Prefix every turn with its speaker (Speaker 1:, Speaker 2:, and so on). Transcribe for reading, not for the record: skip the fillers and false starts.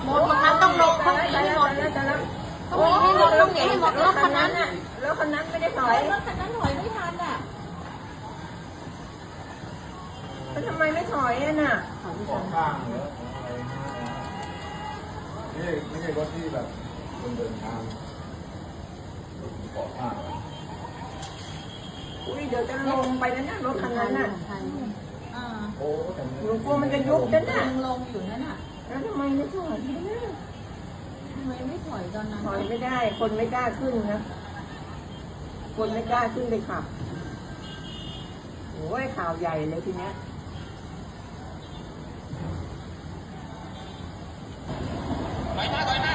Speaker 1: หมดตรงนั้นต้องลงต้องหนีให้หมดต้องหนีให้หมดต้องหนีให้หมดรถคันนั้นน่ะรถคันนั้นไม่ได้ถอยรถคันนั้นถอยไม่ทันอ่ะแล้วทำไมไม่ถอยอ่ะน่ะ
Speaker 2: ขอข้างหรืออะไรไม่ใช่รถที่แบบคนเดินทางขอข้าง
Speaker 1: อุ้ยเดี๋ยวจะลงไปแล้วนะรถคันนั้นน่ะ
Speaker 2: โอ้แต่
Speaker 1: หนูกลัวมันจะยุบนั่นน่ะ
Speaker 3: ลงอยู่นั่นน่ะ
Speaker 1: แล้วทำไมไม่ถอย
Speaker 3: ทำไมไม่ถอยตอนนั้น
Speaker 1: ถอยไม่ได้คนไม่กล้าขึ้นนะคนไม่กล้าขึ้นเลยขับโอ้ยข่าวใหญ่เลยทีเนี้ย
Speaker 4: ถอยหน้า